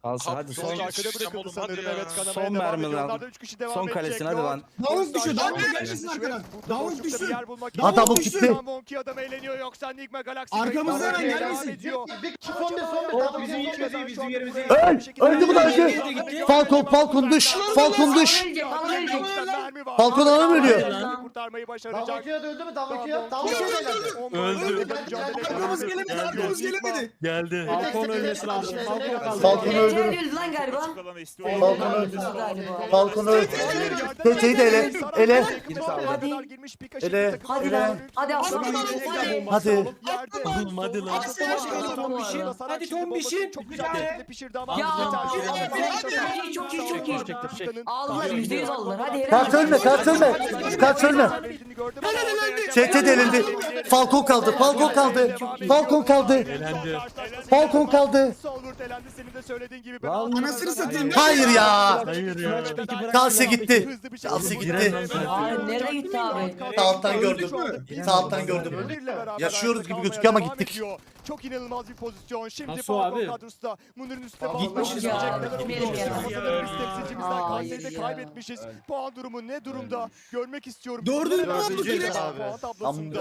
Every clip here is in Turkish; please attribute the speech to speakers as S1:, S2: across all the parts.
S1: Alsın hadi
S2: Son
S1: son
S2: arkada bırakıldı sanırım. Evet, kanamaya
S1: son
S2: devam
S1: mermi
S2: ediyor.
S1: lan.
S2: Onlardan 3 kişi devam
S1: Son
S2: edecek.
S1: kalesine hadi
S2: Lord.
S1: lan.
S3: Davut düşüyor. Davut
S2: Davut
S3: gelsin arkadan.
S2: Burada
S3: Davut
S2: boşlukta bir
S3: düşsün.
S2: yer bulmak
S3: Davut
S2: istiyor.
S3: düşsün.
S2: Buradan Monkey adam eğleniyor, yoksa Enigma Galaxy
S3: Arkamızdan
S2: Breakdown'a
S3: hemen
S2: devam
S3: gelmesin.
S2: ediyor.
S4: Öldü bu da öldü. Falcon düş. Falcon düş. Falcon adam ölüyor.
S2: Kurtarmayı başaracak.
S5: Davakiya döndü mü? Davakiya.
S2: Öldü.
S3: Arkamız gelemedi. Arkamız gelemedi.
S6: Geldi.
S5: Falcon ölmesi lazım.
S4: Falcon öldü.
S7: öldü lan galiba.
S4: Falcon öldü.
S7: Galiba.
S4: Falcon öldü. Teteyi de ele. Ele. Ele.
S7: Hadi lan. Hadi aslan.
S4: Hadi.
S6: Oğlum hadi lan.
S2: Hadi Tombiş'in. Çok güzel şekilde pişirdi ama.
S7: Ya.
S2: Çok
S7: iyi, çok iyi. Aldılar %100 aldılar. Hadi helal.
S4: Kart ölme. Kart ölme. Kart ölme. TT delindi. Falcon kaldı. Falcon kaldı. Falcon kaldı.
S6: Elendi.
S4: Falcon kaldı.
S2: Solvurt elendi, senin de söylediğin gibi.
S3: Anasını satayım.
S4: Hayır ya.
S6: Hayır ya.
S4: Kalse gitti. Kalse gitti.
S7: Hayır nereye gitti abi?
S4: Sağ alttan gördüm. Sağ alttan gördüm. Yaşıyoruz gibi gözüküyor ama gittik.
S2: Çok inanılmaz bir pozisyon. Şimdi
S6: Nasıl abi?
S2: kadrosu Munir'in üstüne
S3: Gitmişiz
S7: ya, gitmeyelim ya.
S2: Biz temsilcimizden
S7: Hayır
S2: Kayseri'de
S7: ya.
S2: kaybetmişiz. Puan durumu ne durumda? Görmek istiyorum.
S3: Dördüncü
S2: Puan
S3: olduk yine.
S2: tablosunda.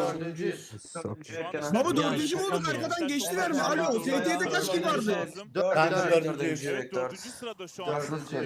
S3: Baba dördüncü mü olduk? Arkadan geçtiler mi? Alo. ST'de kaç kişi vardı?
S4: Kanka dördüncüyüm.
S6: Evet, dördüncü sırada şu an.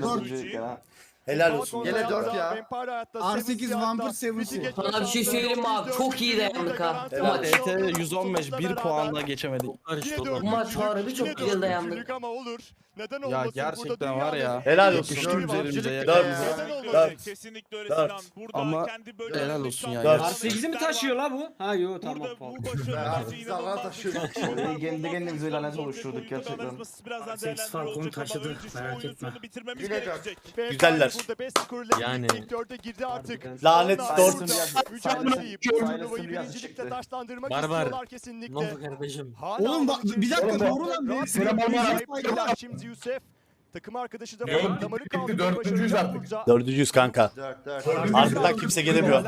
S4: Helal olsun.
S5: Gene 4 ya.
S3: R8 Vampir 7.
S7: Sana bir şey söyleyeyim mi abi? Çok iyi dayandık ha. Bu maç.
S1: TT 115 1 puanla geçemedik.
S7: Bu maç harbi çok güzel dayandık.
S2: Ama olur. Neden
S1: Ya
S2: olmasın?
S1: gerçekten var ya.
S4: Helal olsun.
S1: Yakıştı üzerimize
S4: Dört.
S1: yakın.
S2: Neden olmasın?
S4: Dört.
S6: Kesinlikle öyle
S4: Dört.
S6: Sinan. Burada
S1: Ama
S6: kendi böyle
S1: helal olsun ya.
S4: Dört.
S8: R8'i mi taşıyor la bu? Ha yo tamam.
S6: Burada
S8: Tamam.
S6: bu başarı
S5: R8 Allah'a taşıyor.
S1: Kendi kendimize lanet oluşturduk gerçekten.
S6: R8
S8: Falcon taşıdı, merak etme.
S6: Bitirmemiz gerekecek.
S4: Güzeller.
S2: Burada best skorla
S6: Yani.
S2: ilk dörde girdi artık.
S4: Lanet
S2: Onlar
S4: dört.
S2: burada mücadeleyi, bu turnuvayı birincilikle taşlandırmak
S6: Barbar.
S2: istiyorlar kesinlikle.
S6: kardeşim?
S2: Hala
S3: Oğlum bak bir dakika doğru lan.
S2: Şimdi Yusuf takım arkadaşı da
S9: Oğlum,
S2: damarı
S9: bitti,
S2: kaldırmayı
S9: dördüncüyüz
S2: başaracak
S9: artık.
S2: burada.
S4: Dördüncüyüz kanka.
S5: 4.
S4: Arkadan kimse gelemiyor.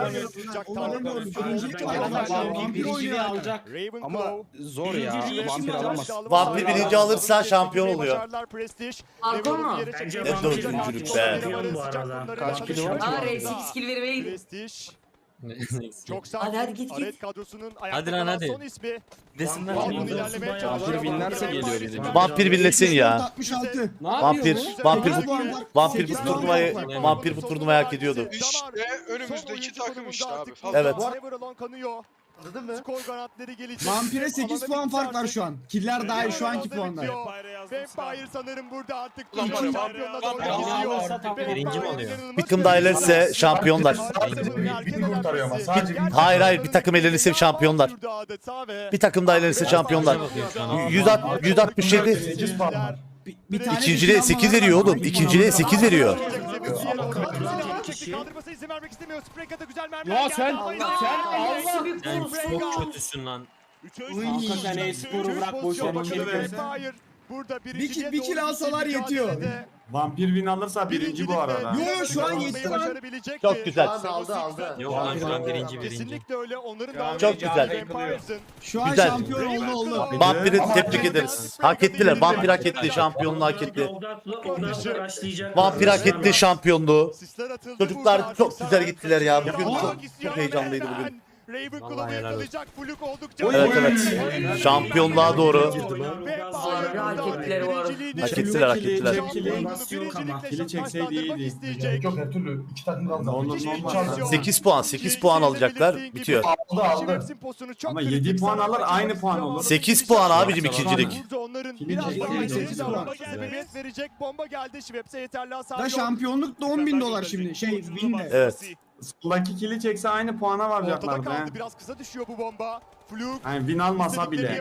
S8: Birinciliği alacak.
S1: Ama zor ya. Vampir alamaz.
S4: Vampir birinci alırsa şampiyon oluyor.
S7: Falcon mu?
S4: Ne dördüncülük be.
S1: Kaç kilo var ki?
S7: Aa R8 kill vermeye gidiyor.
S2: Prestij. Çok
S7: Hadi,
S2: sakin.
S7: hadi, git, git.
S2: Aret kadrosunun ayakta
S6: Hadi lan,
S2: kalan
S6: hadi.
S2: son ismi.
S6: Desinler.
S2: Vampir ilerlemeye çalışıyor.
S1: Vampir winlerse geliyor biri.
S4: Vampir birlesin ya.
S3: 66.
S8: Ne
S4: Vampir,
S8: yapıyor
S4: vampir,
S3: Sekiz puan var.
S4: vampir bu
S3: Sekiz
S4: turnuvayı,
S3: puan var.
S4: vampir bu turnuvayı hak ediyordu.
S10: İşte önümüzdeki takım işte abi.
S4: Evet.
S2: Kanıyor.
S5: Anladın mı?
S2: Skor kanatları gelecek.
S3: Vampire 8 puan fark var şu an. Killer dahil şu anki puanlar.
S2: Vampire sanırım burada artık
S10: Ulan var ya,
S2: şampiyonla
S10: Vampire
S2: doğru
S8: alırsa
S2: gidiyor.
S8: tamam.
S6: Birinci mi oluyor?
S4: Bir takım daha elenirse şampiyonlar.
S9: Bir kurtarıyor ama sadece bir.
S4: Hayır hayır bir takım elenirse şampiyonlar. Bir takım daha elenirse şampiyonlar. 167.
S9: 8 puan var.
S3: Bir tane
S4: İkinciliğe 8 veriyor oğlum. İkinciliğe 8 veriyor.
S8: Ya sen
S6: Sen çok kötüsün lan.
S8: Kanka sen e-sporu bırak boş ver.
S2: Burada
S3: bir kill alsalar yetiyor.
S9: Vampir win alırsa birinci bu arada.
S3: Yo şu an yetti lan.
S4: Çok güzel.
S5: Aldı.
S6: Yok lan şu an birinci.
S2: Kesinlikle öyle. Onların
S4: Çok güzel.
S3: Şu an
S4: Güzel.
S3: şampiyon oldu.
S4: Vampir'i tebrik ederiz. Hak ettiler. Vampir hak etti. Şampiyonluğu hak etti. Vampir hak etti şampiyonluğu. Çocuklar çok güzel gittiler ya. Bugün çok heyecanlıydı bugün.
S2: Ravenclaw'u yakalayacak. Fluk oldukça
S4: Evet evet. Şampiyonluğa doğru.
S7: Harbi hak ettiler bu arada.
S4: Hak ettiler hak ettiler.
S9: Kili çekseydi iyiydi. Yok her türlü 2 takım kaldı. Olur normal.
S4: 8 puan alacaklar. Bitiyor.
S9: Aldı. Ama 7 puan alır aynı puan olur.
S4: 8 puan abicim ikincilik.
S2: Burada onların
S3: Kili
S2: biraz
S3: çekti,
S2: daha
S3: sekiz
S2: ileri
S3: puan.
S2: davranması sebebiyet verecek. Bomba geldi. Şveps'e yeterli hasar
S3: Da
S2: yok.
S3: şampiyonluk da 10.000 dolar şimdi. Win'de.
S4: Evet.
S9: Soldaki kili çekse aynı puana
S2: Ortada
S9: varacaklardı.
S2: kaldı. Biraz kısa düşüyor bu bomba. Fluk.
S9: Yani win almasa bile.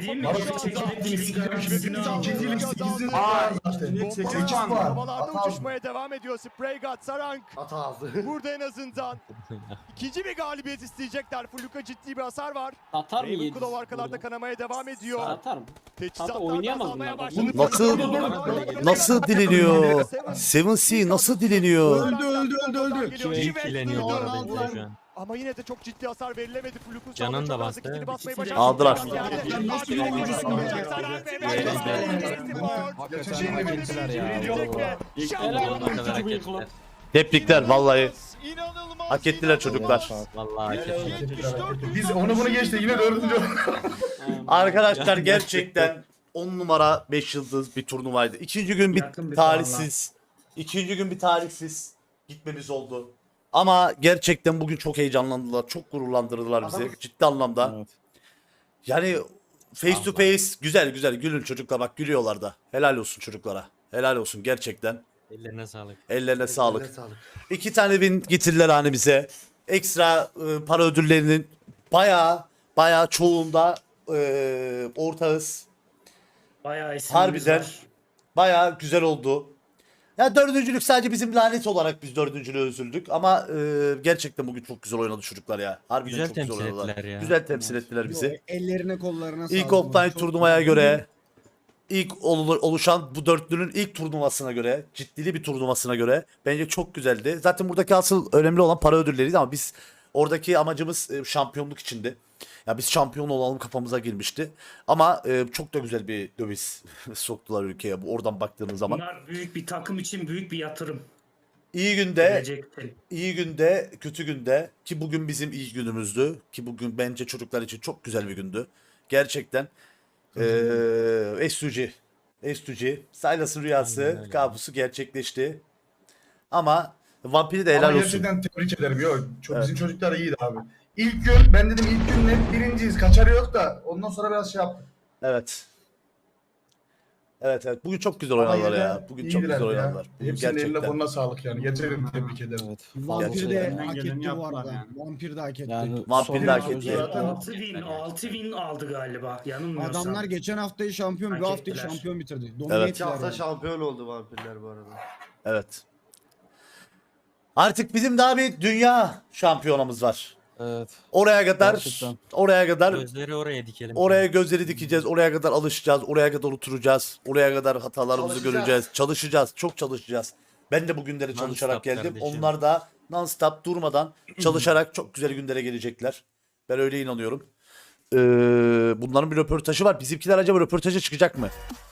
S9: Aa, işte 8 puan.
S2: Havalarda uçuşmaya devam ediyor. Spraygat, Sarang.
S5: Hata aldı.
S2: Burada en azından ikinci bir galibiyet isteyecekler. Fluk'a ciddi bir hasar var.
S8: Atar mı yedi?
S2: Ravenclaw arkalarda kanamaya devam ediyor.
S8: Atar mı?
S2: Teçhizatlar
S8: oynayamaz
S2: azalmaya
S8: bunlar.
S2: başladı.
S4: Nasıl dileniyor? 7C nasıl dileniyor?
S3: Öldü.
S6: Kim ilgileniyor bu arada şu an?
S2: Ama yine de çok ciddi hasar verilemedi. Fluk'un
S6: Canın
S2: sağında
S6: da
S2: çok az
S6: bastı.
S2: kitini basmayı
S8: İkisi de-
S2: başardı.
S4: Aldılar.
S3: Lan nasıl bir oyuncusun be?
S4: Tebrikler vallahi.
S2: İnanılmaz,
S4: Hak ettiler çocuklar.
S6: Vallahi hak ettiler.
S9: Biz onu bunu geçti yine 4.
S4: Arkadaşlar gerçekten 10 numara 5 yıldız bir turnuvaydı. İkinci gün
S8: Yakın
S4: bir
S8: bir
S4: tarihsiz. İkinci gün bir tarihsiz gitmemiz oldu. Ama gerçekten bugün çok heyecanlandılar. Çok gururlandırdılar bizi. Ciddi anlamda. Yani face to face güzel güzel gülün çocuklar, bak gülüyorlar da. Helal olsun çocuklara. Helal olsun gerçekten.
S6: Ellerine sağlık.
S4: Ellerine sağlık. 2 tane win getirdiler hani bize. Ekstra para ödüllerinin bayağı çoğunda ortağız.
S8: Bayağı isimimiz
S4: Harbiden.
S8: var.
S4: Bayağı güzel oldu. Ya dördüncülük sadece bizim lanet olarak biz dördüncülüğe üzüldük ama gerçekten bugün çok güzel oynadı çocuklar ya. Harbiden
S6: Güzel
S4: çok güzel
S6: temsil
S4: oynadılar.
S6: ettiler ya.
S4: Güzel temsil ettiler bizi.
S3: Ellerine kollarına
S4: İlk
S3: sağlık.
S4: offline
S3: Çok
S4: turnuvaya
S3: güzel.
S4: göre, ilk oluşan bu dörtlünün ilk turnuvasına göre, ciddili bir turnuvasına göre bence çok güzeldi. Zaten buradaki asıl önemli olan para ödülleriydi ama biz oradaki amacımız şampiyonluk içindi. Ya biz şampiyon olalım kafamıza girmişti. Ama çok da güzel bir döviz soktular ülkeye oradan baktığımız zaman.
S8: Bunlar büyük bir takım için büyük bir yatırım.
S4: İyi günde,
S8: Gelecekte.
S4: iyi günde, kötü günde ki bugün bizim iyi günümüzdü. Ki bugün bence çocuklar için çok güzel bir gündü. Gerçekten. S2G. Silas'ın rüyası,
S6: Aynen öyle.
S4: kabusu gerçekleşti. Ama Vampir'i de helal
S9: Ama
S4: olsun.
S9: gerçekten tebrik ederim. Yok, çok,
S4: Evet.
S9: bizim çocuklar iyiydi abi. İlk gün ben dedim ilk gün net birinciyiz. Kaçarı yok da ondan sonra biraz şey yaptık.
S4: Evet. Evet. Bugün çok güzel
S9: Ama
S4: oynadılar
S9: yine
S4: ya. Bugün çok
S9: iyiydiler
S4: güzel
S9: ya.
S4: oynadılar. Bugün
S9: Hepsinin eline
S4: gerçekten.
S9: koluna sağlık yani. Gerçekten tebrik ederim.
S3: Vampir de
S8: Gerçekten.
S3: hak
S8: Geleni
S3: etti bu
S8: yaptılar
S3: arada.
S8: yani.
S3: Vampir de hak etti.
S4: Vampir de hak etti.
S9: Zaten
S8: 6 win aldı galiba. Yanılmıyorsam.
S3: Adamlar geçen haftayı şampiyon,
S8: Hak
S3: bir haftayı
S8: ettiler.
S3: şampiyon bitirdi.
S4: Evet.
S3: Domine
S5: 2 hafta
S3: ettiler.
S5: şampiyon oldu vampirler bu arada.
S4: Evet. Artık bizim daha bir dünya şampiyonamız var.
S1: Evet.
S4: Oraya kadar
S6: Gözleri oraya dikelim.
S4: oraya gözleri dikeceğiz. Oraya kadar alışacağız. Oraya kadar oturacağız. Oraya kadar hatalarımızı
S5: Çalışacağız.
S4: göreceğiz. Çalışacağız. Çok çalışacağız. Ben de bu günlere
S6: Non-stop
S4: çalışarak geldim.
S6: kardeşim.
S4: Onlar da non-stop durmadan çalışarak çok güzel günlere gelecekler. Ben öyle inanıyorum. Bunların bir röportajı var. Bizimkiler acaba röportaja çıkacak mı?